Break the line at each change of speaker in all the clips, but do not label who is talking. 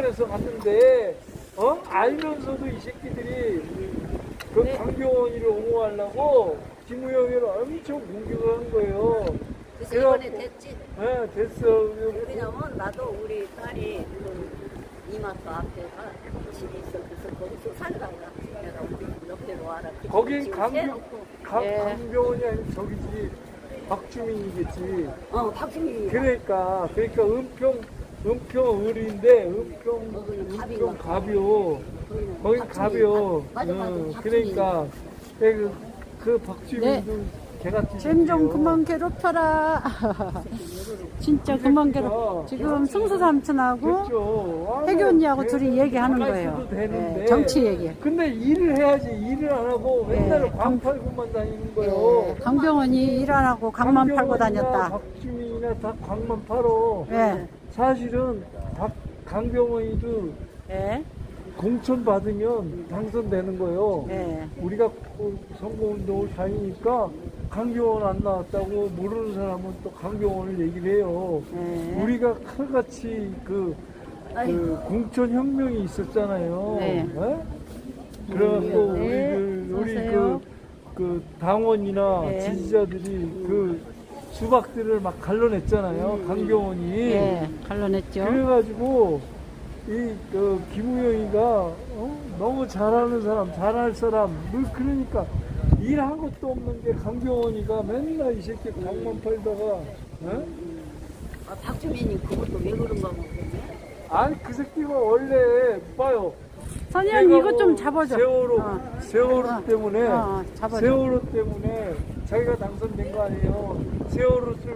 부탁을 해서 갔는데 알면서도 이 새끼들이 그 강병원이를 옹호하려고 김우영이를 엄청 공격을 한 거예요.
그래서 이번에 됐지.
네, 됐어.
왜냐면 나도 우리 딸이 그 이마트 앞에가 집이 있어. 그래서 거기서 살다가 내가 우리 옆에로 와라.
거기
지금
강병,
해놓고.
강병원이 아니고 저기지 박주민이겠지.
박주민이.
그러니까 은평 을인데 은평 갑이요. 거긴 갑이요.
맞아.
그러니까 그 박주민도 개같이.
쟨 좀 그만 괴롭혀라. 진짜 그만 괴롭. 지금 승수 삼촌하고
그렇죠.
혜교 언니하고 둘이 얘기하는 거예요. 네, 정치 얘기.
근데 일을 해야지. 일을 안 하고 맨날
네,
방 팔고만 다니는 거예요.
네, 강병원이 일 안 하고 강만 팔고 다녔다.
박주민이나 다 강만 팔어.
네.
사실은 강병원이도
네.
공천 받으면 당선되는 거예요.
네.
우리가 선거운동을 다니니까 강병원 안 나왔다고 모르는 사람은 또 강병원을 얘기를 해요.
네.
우리가 칼같이 그 공천 혁명이 있었잖아요.
네.
그래갖고
네.
우리
어서요.
그 당원이나
네.
지지자들이 그 수박들을 막 갈라냈잖아요. 강병원이.
네, 갈라냈죠.
그래가지고 김우영이가 너무 잘하는 사람, 잘할 사람, 그러니까 일한 것도 없는 게 강병원이가 맨날 이 새끼 강만 팔다가,
박주민이 그것도 왜 그런가 모르겠네.
아니 그 새끼가 원래 봐요.
선희언니
내가
이것 좀
뭐
잡아줘.
세월호 때문에
잡아줘.
세월호 때문에 자기가 당선된 거 아니에요. 세월호를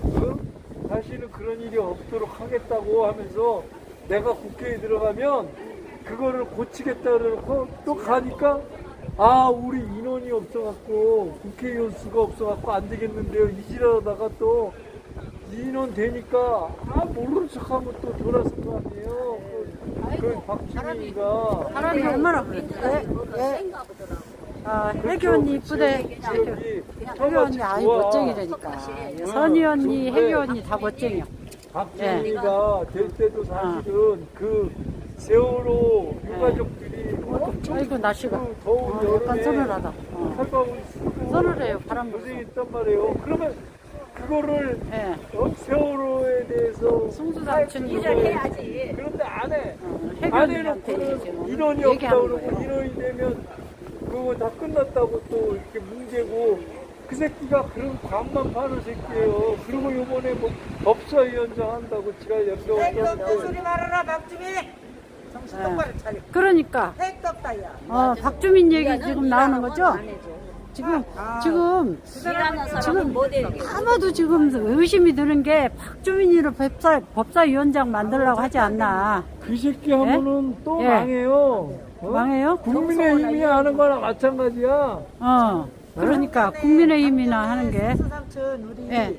다시는 그런 일이 없도록 하겠다고 하면서 내가 국회에 들어가면 그거를 고치겠다 그러고 또 가니까 우리 인원이 없어갖고 국회의원 수가 없어갖고 안 되겠는데요. 이지라다가 또 인원 되니까 모르는 척하면 또 돌아선 거 아니에요. 그 박주민이가
사람이 얼마나 그래.
센가 보더라고.
혜교 언니 이쁘대. 혜교 언니 아이 멋쟁이라니까. 선희 언니, 혜교 언니 다 멋쟁이야.
박주민이가 될 때도 사실은 그 세월호 유가족들이
아이고 날씨가
그 더운
약간
여름에
서늘하다.
칼바구니 쓰고
서늘해요. 바람 불고.
고생했단 말이에요. 그러면 그거를
예.
세월호에 대해서
승수 삼촌이
일을 해야지.
그런데 안 해.
혜교
안
언니한테
해놓고는
지금
인원이 없다
얘기하는
그러고
거예요.
인원이 되면 그거 다 끝났다고 또 이렇게 뭉개고 그 새끼가 그런 관만 파는 새끼예요. 그리고 요번에 뭐 법사위원장 한다고 지가 연병을
택도 소리 말아라 박주민 정신 똑바로 차려
그러니까
택도 없다 야
박주민 얘기 지금 나오는 거죠? 지금
일하는 사람은 못해.
아마도 지금 의심이 드는 게 박주민이를 법사위원장 만들려고 하지 않나.
그 새끼 하면은 또
예.
망해요.
망해요?
국민의힘이 하는 거랑 마찬가지야.
그러니까 국민의힘이나 하는 게
수삼촌 우리
예.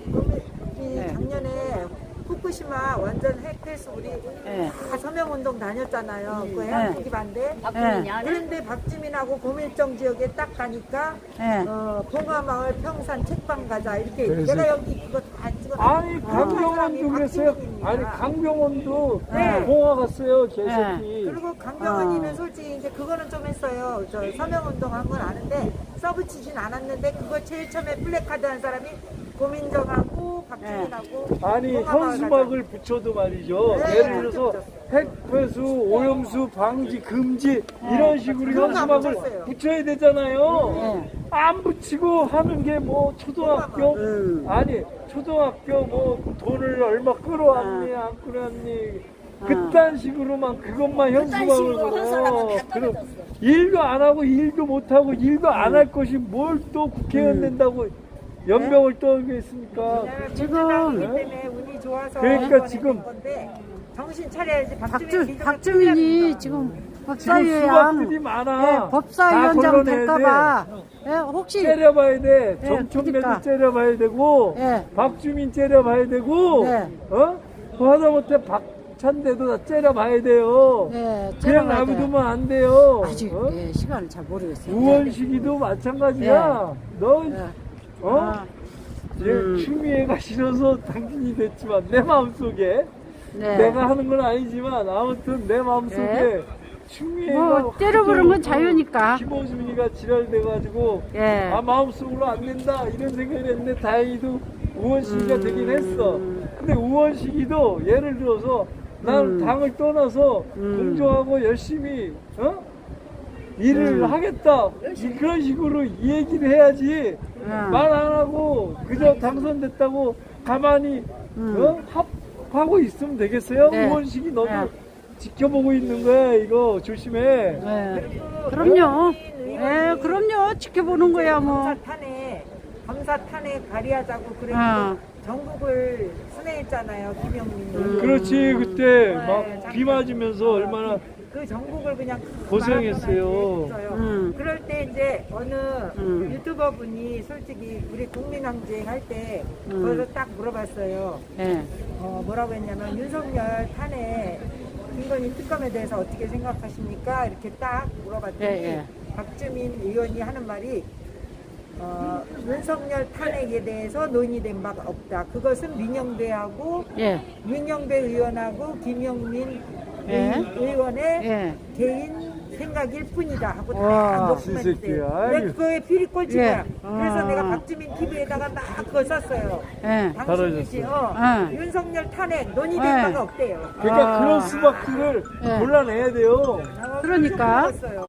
우리 작년에 후쿠시마 완전 핵폐수 우리 다 서명운동 다녔잖아요. 그 해양포기 반대.
박주민이 안 해?
그런데 박주민하고 고밀정 지역에 딱 가니까 봉화마을 평산 책방 가자 이렇게
그래서-
내가 여기 그거 다 찍어.
아니 강병원도 그랬어요. 아니 강병원도 봉화 갔어요. 개새끼.
그리고 강병원이는 솔직히 이제 그거는 좀 했어요. 저 서명운동 한 건 아는데 써붙이진 않았는데 그거 제일 처음에 플래카드 한 사람이 고민정하고 박주민하고
아니
봉화마을
현수막을 붙여도 말이죠.
네,
예를 들어서 핵폐수, 오염수 방지 금지 이런 식으로
그런 거안
현수막을
붙였어요.
붙여야 되잖아요. 안 붙이고 하는 게 뭐 초등학교 아니 초등학교 뭐 돈을 얼마 끌어왔니 안 끌어왔니 그딴 식으로만 그것만 현수막을
식으로 한 사람은
걸어.
다
그럼
떨어졌어.
일도 안 하고 일도 못 하고 일도 안 할 것이 뭘 또 국회의원 된다고 연병을 떠들겠습니까?
지금 때문에 운이 좋아서
그러니까
이번에
지금
된 건데 정신 차려야지. 박주민
박주민이 지금
지금
법사위원
수박들이 많아.
법사위원장
다 걸러내야
될까봐
돼.
혹시
째려봐야 돼. 정청래도
그러니까.
째려봐야 되고,
예.
박주민 째려봐야 되고,
네.
그 하다못해 박찬대도 다 째려봐야 돼요.
네,
그냥
째려봐야
놔두면 안 돼요.
아직 시간을 잘 모르겠어요.
우원식이도 마찬가지야. 너,
아,
추미애가 싫어서 당신이 됐지만 내 마음속에
네.
내가 하는 건 아니지만 아무튼 내 마음속에
네.
추미애가
뭐 때려부른 건 자유니까.
김호준이가 지랄돼가지고
예.
아 마음속으로 안 된다 이런 생각을 했는데 다행히도 우원식이가 되긴 했어. 근데 우원식이도 예를 들어서 나는 당을 떠나서 공정하고 열심히 일을 하겠다 그런 식으로 얘기를 해야지 말 안 하고 그저 당선됐다고 가만히 합하고 있으면 되겠어요?
네.
우원식이 너도
네.
지켜보고 있는 거야 이거 조심해.
네. 그럼요. 예, 그럼요. 지켜보는 거야, 뭐.
검사 탄핵 발의하자고 그래서
어.
전국을 순회했잖아요, 김영민이.
그렇지 그때
네,
막 비 맞으면서 얼마나
그 전국을 그냥
고생했어요.
그럴 때 이제 어느 유튜버 분이 솔직히 우리 국민항쟁 할 때 그걸 딱 물어봤어요.
예.
뭐라고 했냐면 윤석열 탄핵 김건희 특검에 대해서 어떻게 생각하십니까? 이렇게 딱 물어봤더니
예.
박주민 의원이 하는 말이 윤석열 탄핵에 대해서 논의된 바가 없다. 그것은 민영배하고
예.
민영배 의원하고 김영민
예.
의원의
예.
개인 생각일 뿐이다 하고
와,
다 녹음했대요.
진새끼야.
내가 그거에 피리 꼴찌야.
예.
그래서 내가 박주민 TV에다가 막 그거 썼어요.
예.
당신이지.
예.
윤석열 탄핵 논의된
예.
바가 없대요.
그러니까
아.
그런 수박들을
예.
골라내야 돼요.
그러니까.
었어요